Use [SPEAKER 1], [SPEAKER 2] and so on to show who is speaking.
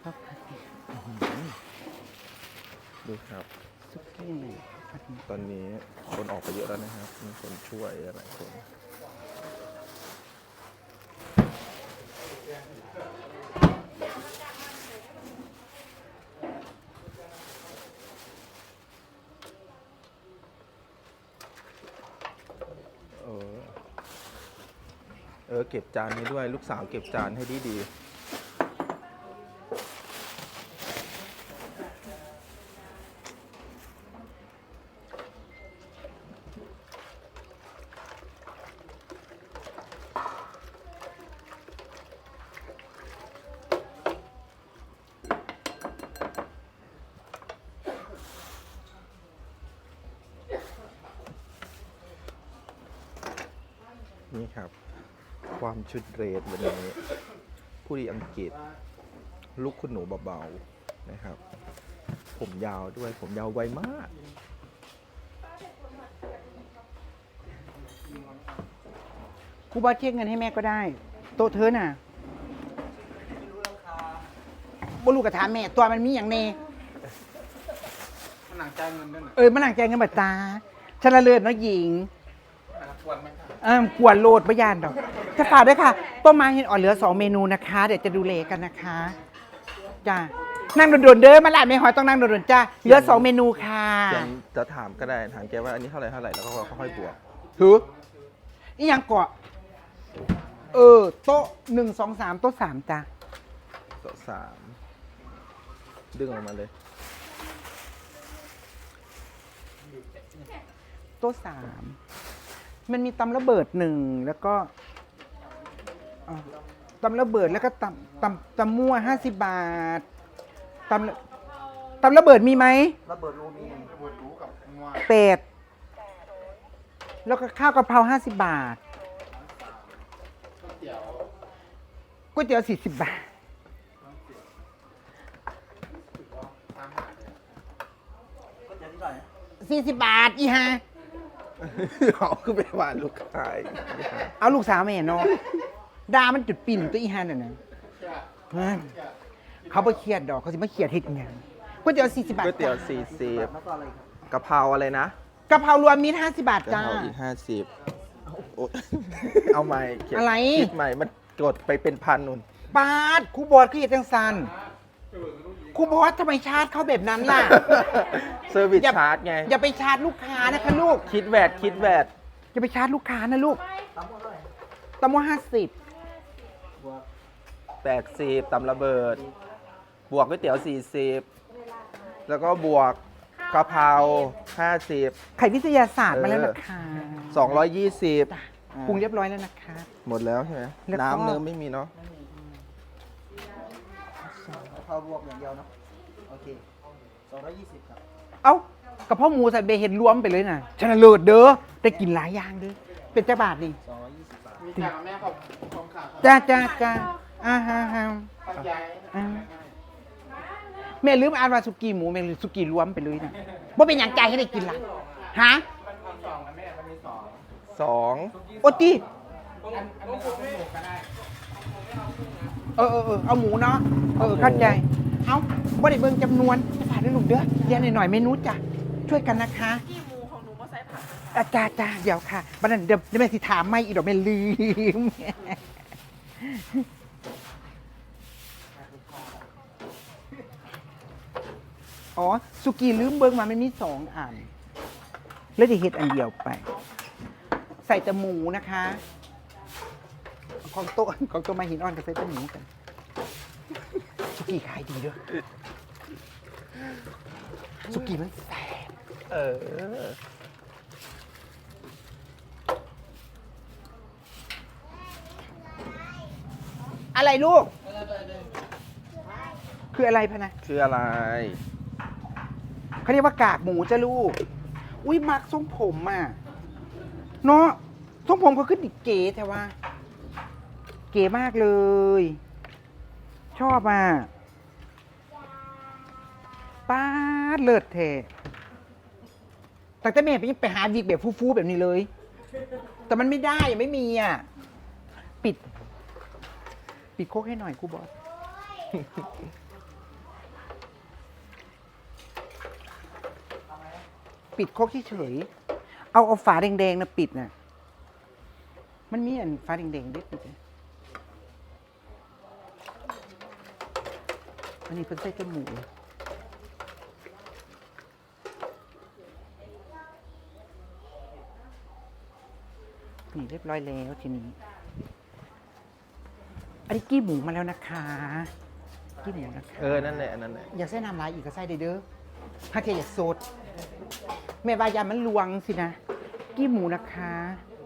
[SPEAKER 1] ดูครับ
[SPEAKER 2] ซุกี้ผัด
[SPEAKER 1] ตอนนี้คนออกไปเยอะแล้วนะครับมีคนช่วยหลายคนเก็บจานให้ด้วยลูกสาวเก็บจานให้ดีนี่ครับความชุดเรสวันนี้ผู้ดีอังกฤษลูกคุณหนูเบาๆนะครับผมยาวด้วยผมยาวไวมาก
[SPEAKER 2] ครูบอสเช็คเงินให้แม่ก็ได้โต๊ะเธอน่ะบ่รู้กระถามแม่ตัวมันมีอย่างเน
[SPEAKER 3] มันหนังใจเงินด้วยนะ
[SPEAKER 2] มันหนังใจเงินบัตตาชนะเลิศเนาะหญิง
[SPEAKER 3] ปวดไหมครับ
[SPEAKER 2] กวนโลดประยานดอกจะฝากด้วยค่ะต้มมาเห็นอ่อนเหลือ2 เมนูนะคะ เดี๋ยวจะดูเลกันนะคะจ้านั่งโดดๆเด้อมาลาดไม่หอยต้องนั่งโดดๆจ้าเหลือ2 เมนูค่ะ
[SPEAKER 1] จะถามก็ได้ถามแกว่าอันนี้เท่าไหร่แล้วก็ค่อยๆบวก
[SPEAKER 2] ถือนี่ยังเกาะโต๊ะ1 2 3โต๊ะ3จ้า
[SPEAKER 1] โต๊ะสามดึงออกมาเลย
[SPEAKER 2] โต๊ะ3มันมีตำระเบิด1แล้วก็ตำระเบิดแล้วก็ตำมั่ว50 บาทตำระเบิดมีไหม
[SPEAKER 3] ระเบิดรูมีระเบิดรูกับงัว
[SPEAKER 2] เป็ดแล้วก็ข้าวกะเพรา50 บาทก๋วยเตี๋ยว40 บาท40 บาทอีฮะ
[SPEAKER 1] เอาขึ้นไปวานลูกค้า
[SPEAKER 2] เอาลูกสาวมาเห็นเนาะดามันจุดปิ่นตัวอีฮาน่ะนะเขาไปเครียดดอกเขาสิมาเครียดเฮ็ดอิหยังก๋วยเตี๋ยว40 บาท
[SPEAKER 1] ก๋วยเตี๋ยว
[SPEAKER 2] จ้ะ
[SPEAKER 1] 40กะเพราอะไรนะ
[SPEAKER 2] กะเพรารวมมิตร50 บาท
[SPEAKER 1] กะ
[SPEAKER 2] จ้า
[SPEAKER 1] เพราอีก50โอ๊ยเอาใหม่เขียน
[SPEAKER 2] อะไร
[SPEAKER 1] คิดใหม่มันกดไปเป็นพันนุ่น
[SPEAKER 2] บาทครูบอสคือเฮ็ดจังซันครูบอสทำไมชาร์จเขาแบบนั้นล่ะ
[SPEAKER 1] เซอร์วิส
[SPEAKER 2] อย่า
[SPEAKER 1] ชาร์จไง
[SPEAKER 2] อย่าไปชาร์จลูกค้านะคะลูก
[SPEAKER 1] คิดแวด
[SPEAKER 2] อย่าไปชาร์จลูกค้านะลูกตำว่า
[SPEAKER 1] 80ตำระเบิด บวกก๋วยเตี๋ยว40แล้วก็บวกกะเพรา50
[SPEAKER 2] ไข่วิทยาศาสตร์มาแล้วนะคะ
[SPEAKER 1] 220
[SPEAKER 2] ปรุงเรียบร้อยแล้วนะคะ
[SPEAKER 1] หมดแล้วใช่ไหม
[SPEAKER 2] แล้วก็
[SPEAKER 1] น้ำเนื้อไม่มีเนาะ
[SPEAKER 3] พาวบวกอย่างเดียวเนาะโอเค220ครับ
[SPEAKER 2] เอ้ากระเพาะหมูใส่เบเห็ดรวมไปเลยนะชนะเลิศเด้อได้กินหลายอย่างเด้อเป็นจ้าบาทนี่
[SPEAKER 3] 220 บาทมีจ่ายกับแม่ของขาด
[SPEAKER 2] จ้าฮะ
[SPEAKER 3] ปัจจัย
[SPEAKER 2] แม่ลืมอ่านว่าสุกี้หมูแม่ลืมสุกี้รวมไปเลยนะว่าเป็นอย่างใจให้ได้กินล่ะฮะ
[SPEAKER 3] มันมี2นะแม่มันมี2
[SPEAKER 1] 2
[SPEAKER 2] โอตี
[SPEAKER 3] อันนี้เอาไม่หมูก็ได้
[SPEAKER 2] เอาหมูเนาะเข้าใจเอาบ่ได้เบิ่งจำนวนจะผ่านได้ลูกเด้อเรียนหน่อยๆเมนูจ้ะช่วยกันนะคะ
[SPEAKER 4] กี่หมูของหนูมาใส่ผัก
[SPEAKER 2] จ้าเดี๋ยวค่ะบัดนั้นเดี๋ยวแม่สิถามไม่อีกดอกแม่ลืมอ๋อสุกี้ลืมเบิ่งมามันมี2 อันแล้วจะเฮ็ดอันเดียวไป ใส่แต่หมูนะคะ ของโต๊ะมาหินอ่อนกับใส่แต่หมูกันสุกี้ขายดีด้วยสุกี้มันแซ่บ
[SPEAKER 1] เออ
[SPEAKER 2] อะไรลูก คืออะไรพะนะ
[SPEAKER 1] คืออะไร
[SPEAKER 2] เขาเรียกว่ากากหมูจ้ะลูก อุ้ยมักทรงผมอ่ะเนาะทรงผมเขาขึ้นดิเก๋แต่ว่า เก๋มากเลย ชอบอ่ะป้าดเลิศแท้แต่แต่แม่ไปหาวิกแบบฟูๆแบบนี้เลย แต่มันไม่ได้ยังไม่มีอ่ะ ปิดโคกให้หน่อยครูบอสปิดโคกเฉยๆเอาฝาแดงๆนะปิดน่ะมันมีอันฝาแดงๆได้ปิดนะอันนี้เพิ่งใส่จมูกนี่เรียบร้อยแล้วทีนี้อันนี้กี้หมูมาแล้วนะคะกี้หมูนะคะ
[SPEAKER 1] นั่นแหละนั่นแหละ
[SPEAKER 2] อยากใส่น้ำลายอีกก็ใส่ได้เด้อถ้าแกอยากสดแม่วายามันลวงสินะ กี้หมูนะคะ